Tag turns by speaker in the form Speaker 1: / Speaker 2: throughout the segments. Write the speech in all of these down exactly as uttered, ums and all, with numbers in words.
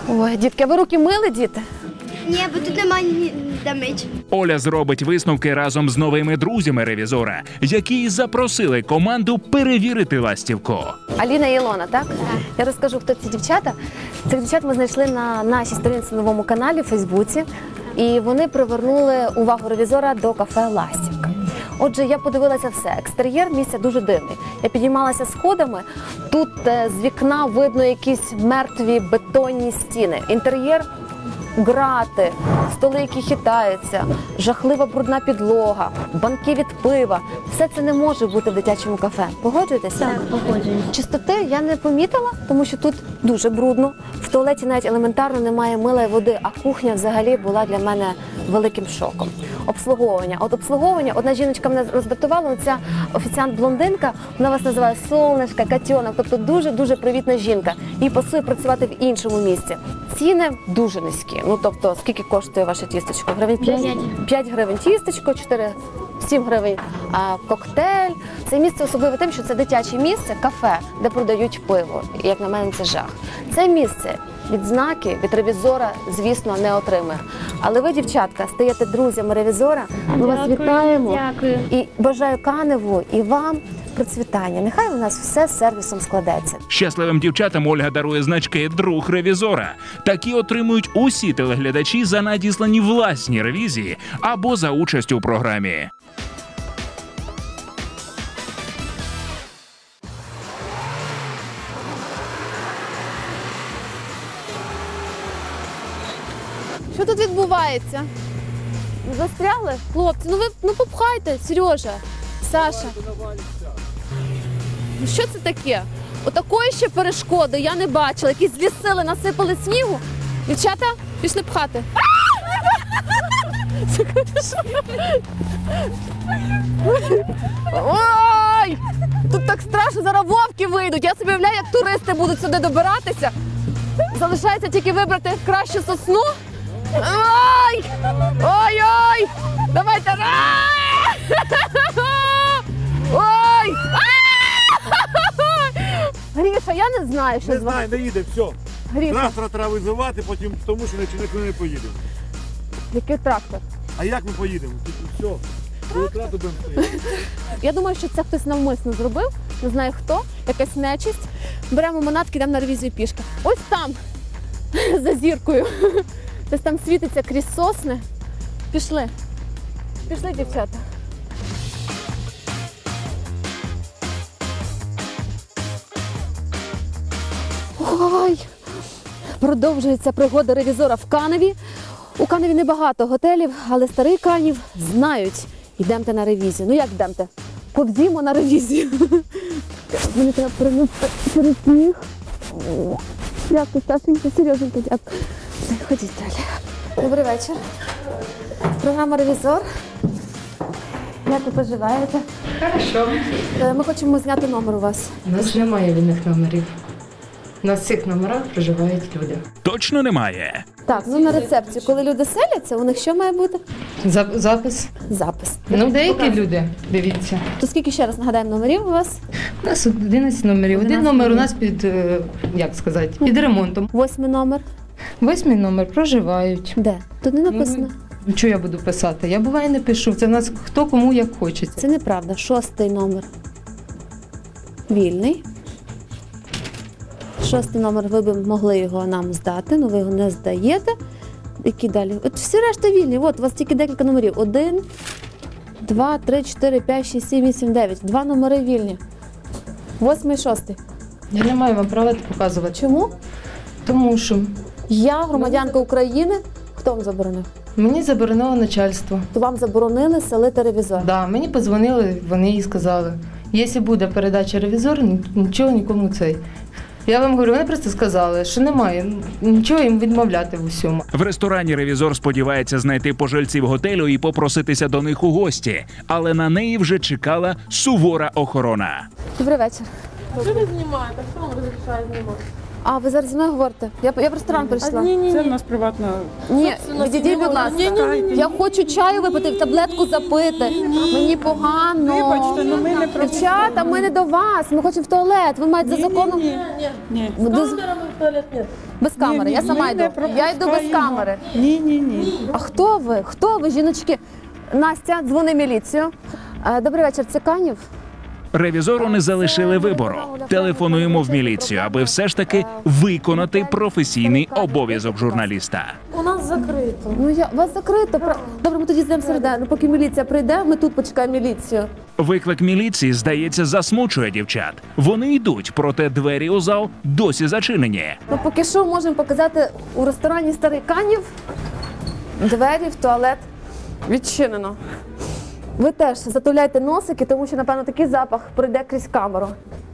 Speaker 1: Ой, дітки, ви руки мили, діти?
Speaker 2: Ні, бо тут немає де мить.
Speaker 3: Оля зробить висновки разом з новими друзями ревізора, які запросили команду перевірити ластівку.
Speaker 1: Аліна і Ілона, так? Так. Я розкажу, хто ці дівчата. Цих дівчат ми знайшли на нашій сторінці в новому каналі в Фейсбуці. І вони привернули увагу ревізора до кафе «Ластівка». Отже, я подивилася все. Екстер'єр місця дуже дивний. Я підіймалася сходами. Тут з вікна видно якісь мертві бетонні стіни. Інтер'єр – грати, столи, які хитаються, жахлива брудна підлога, банки від пива. Все це не може бути в дитячому кафе. Погоджуєтеся?
Speaker 2: Так, погоджуюсь.
Speaker 1: Чистоти я не помітила, тому що тут дуже брудно. В туалеті навіть елементарно немає мила і води, а кухня взагалі була для мене великим шоком. Обслуговування. От обслуговування, одна жіночка мене роздратувала, ця офіціант-блондинка, вона вас називає «Солнышко», «Котенок», тобто дуже-дуже привітна жінка. Їй пасує працювати в іншому місці. Ціни дуже низькі. Ну, тобто, скільки коштує ваше тістечко? Гривень п'ять? п'ять гривень тістечко, чотири, сім гривень а, коктейль. Це місце особливе тим, що це дитяче місце, кафе, де продають пиво. І, як на мене, це жах. Це місце відзнаки від ревізора, звісно, не отримає. Але ви, дівчатка, стаєте друзями ревізора. Ми вас вітаємо.
Speaker 2: Дякую.
Speaker 1: І бажаю Каневу і вам процвітання. Нехай у нас все з сервісом складеться.
Speaker 3: Щасливим дівчатам Ольга дарує значки «Друг ревізора». Такі отримують усі телеглядачі за надіслані власні ревізії або за участь у програмі.
Speaker 1: Що тут відбувається? Застрягли? Хлопці, ну ви ну попхайте, Сережа, Саша. Ну що це таке? Отакої ще перешкоди я не бачила. Якісь злі сили насипали снігу. Дівчата, пішли пхати. Ой! Тут так страшно, зараз вовки вийдуть. Я собі уявляю, як туристи будуть сюди добиратися. Залишається тільки вибрати кращу сосну. Ой! Ой-ой! Давайте! Ой! Гріша, я не знаю, що
Speaker 4: Не
Speaker 1: з вами.
Speaker 4: знаю, не їде, все.
Speaker 1: Гріша,
Speaker 4: Трактора треба визивати, потім тому що нікуди не поїдемо.
Speaker 1: який трактор?
Speaker 4: А як ми поїдемо? Тут все. Бюрократи будемо стояти.
Speaker 1: Я думаю, що це хтось навмисно зробив, не знаю хто, якась нечисть. Беремо манатки, йдемо на ревізію пішки. Ось там, за зіркою. Десь там світиться крізь сосни. Пішли. Пішли, дівчата. Ой! Продовжується пригода ревізора в Каневі. У Каневі небагато готелів, але старий Канів знають. Йдемте на ревізію. Ну як йдемте? Повзімо на ревізію. Мені треба перенести через сніг. Дякую, Сашенька, Сереженька, дякую. Ходіть далі. Добрий вечір. Програма «Ревізор». Як ви поживаєте?
Speaker 5: Хорошо.
Speaker 1: Ми хочемо зняти номер у вас.
Speaker 5: У нас немає вільних номерів. На цих номерах проживають люди.
Speaker 3: Точно немає?
Speaker 1: Так, ну на рецепції, коли люди селяться, у них що має бути?
Speaker 5: Зап- запис.
Speaker 1: Запис.
Speaker 5: Ну, деякі люди, дивіться.
Speaker 1: То скільки, ще раз нагадаємо, номерів у вас?
Speaker 5: У нас одинадцять номерів. Один
Speaker 1: одинадцять
Speaker 5: номер у
Speaker 1: номерів.
Speaker 5: нас під, е, як сказати, під ремонтом.
Speaker 1: Восьмий номер.
Speaker 5: Восьмий номер проживають.
Speaker 1: Де? Тут не написано.
Speaker 5: Ну, що я буду писати? Я буває не пишу. Це в нас хто кому як хочеться.
Speaker 1: Це неправда. Шостий номер. Вільний. Шостий номер, ви б могли його нам здати, але ви його не здаєте. Які далі? От всі решта вільні. От, у вас тільки декілька номерів. Один, два, три, чотири, п'ять, шість, сім, вісім, дев'ять. Два номери вільні. Восьмий, шостий.
Speaker 5: Я не маю вам права це показувати.
Speaker 1: Чому?
Speaker 5: Тому що
Speaker 1: Я громадянка України. Хто вам заборонив?
Speaker 5: мені заборонило начальство.
Speaker 1: То вам заборонили селити ревізор.
Speaker 5: Да, мені подзвонили, вони їй сказали, якщо буде передача ревізор, нічого нікому цей. Я вам говорю, вони просто сказали, що немає, нічого їм відмовляти в усьому.
Speaker 3: В ресторані ревізор сподівається знайти пожильців готелю і попроситися до них у гості. Але на неї вже чекала сувора охорона.
Speaker 1: Добрий вечір.
Speaker 6: Що ви знімаєте? Хто вам розрішає знімати?
Speaker 1: А, ви зараз зі мною говорите? Я, я в ресторан прийшла.
Speaker 6: Це в нас приватна.
Speaker 1: Ні, відійдіть, будь ласка. Я хочу чаю випити, в таблетку запити. Мені погано.
Speaker 6: Вибачте, ну ми не про
Speaker 1: Дівчата, ми не до вас. Ми хочемо в туалет. Ви маєте за законом.
Speaker 6: Ні, ні.
Speaker 1: Без, без камери. Я сама
Speaker 6: Ми
Speaker 1: йду.
Speaker 6: не
Speaker 1: Я йду без
Speaker 6: пропускаємо.
Speaker 1: камери.
Speaker 6: Ні, ні, ні.
Speaker 1: А хто ви? Хто ви, жіночки? Настя, дзвони міліцію. Е, Добрий вечір, це Канів?
Speaker 3: Ревізору не залишили вибору. Телефонуємо в міліцію, аби все ж таки виконати професійний обов'язок журналіста.
Speaker 1: У нас закрито. Ну я вас закрито. Про- Добре, ми тоді здаємо середину. Поки міліція прийде, ми тут почекаємо міліцію.
Speaker 3: Виклик міліції, здається, засмучує дівчат. Вони йдуть, проте двері у зал досі зачинені.
Speaker 1: Ну поки що можемо показати у ресторані Старий Канів. Двері в туалет відчинено. Ви теж затуляйте носики, тому що, напевно, такий запах пройде крізь камеру.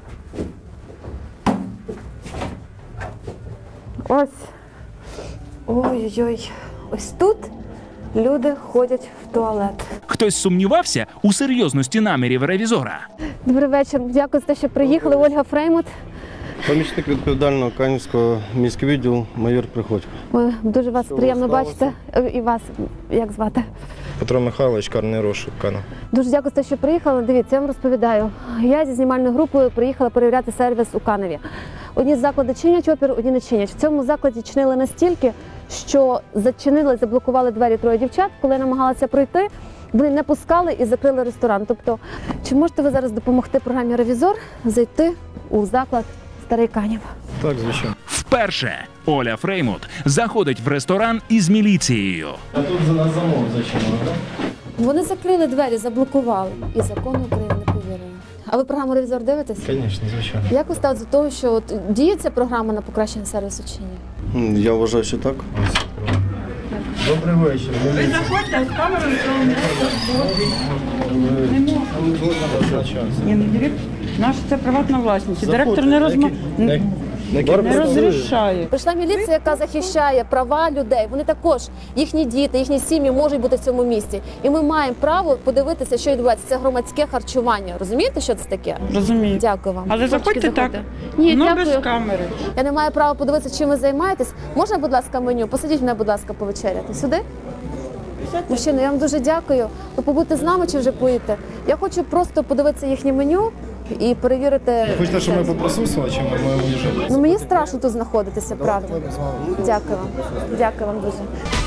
Speaker 1: Ось. Ой-ой-ой. Ось тут люди ходять в туалет.
Speaker 3: Хтось сумнівався у серйозності намірів ревізора.
Speaker 1: Добрий вечір. Дякую за те, що приїхали. Ольга Фреймут.
Speaker 7: Помічник відповідального Канівського міського відділу майор Приходько.
Speaker 1: Ой, дуже вас приємно
Speaker 7: сталося?
Speaker 1: бачити. І вас, як звати?
Speaker 7: Петро Михайлович, карний розшук Канев.
Speaker 1: Дуже дякую за те, що приїхали. Дивіться, я вам розповідаю. Я зі знімальною групою приїхала перевіряти сервіс у Каневі. Одні заклади чинять опір, одні не чинять. В цьому закладі чинили настільки, що зачинили, заблокували двері троє дівчат. Коли я намагалася пройти, вони не пускали і закрили ресторан. Тобто, чи можете ви зараз допомогти програмі «Ревізор» зайти у заклад Старий Канів?
Speaker 7: Так, звичайно.
Speaker 3: Вперше Оля Фреймут заходить в ресторан із міліцією.
Speaker 7: А тут за нас замов зачинено, так?
Speaker 1: Вони закрили двері, заблокували. І закону України не повірили. А ви програму «Ревізор» дивитесь?
Speaker 7: Звісно, звичайно.
Speaker 1: Як ви ставите до того, що от діє ця програма на покращення сервісу чи ні?
Speaker 7: Я вважаю, що так. Добрий вечір.
Speaker 6: Ви заходьте з камерою, Ні, не дивіться. Наш це приватна власність. Директор не розма... не розрішає.
Speaker 1: Прийшла міліція, яка захищає права людей. Вони також, їхні діти, їхні сім'ї можуть бути в цьому місці. І ми маємо право подивитися, що відбувається. Це громадське харчування. Розумієте, що це таке?
Speaker 6: Розумію.
Speaker 1: Дякую вам.
Speaker 6: Але
Speaker 1: Хлопчики,
Speaker 6: заходьте так.
Speaker 1: заходьте. Ні,
Speaker 6: Ну,
Speaker 1: дякую.
Speaker 6: без камери.
Speaker 1: Я не маю права подивитися, чим ви займаєтесь. Можна, будь ласка, меню? Посадіть мене, будь ласка, повечеряти. Сюди? Мужчина, я вам дуже дякую. Ви побудьте з нами чи вже поїдете? Я хочу просто подивитися їхнє меню і перевірити.
Speaker 7: Хочете, щоб ми поприсутствували, чи ми маємо їжджати?
Speaker 1: Ну мені страшно тут знаходитися, правда. Дякую вам. Дякую вам дуже.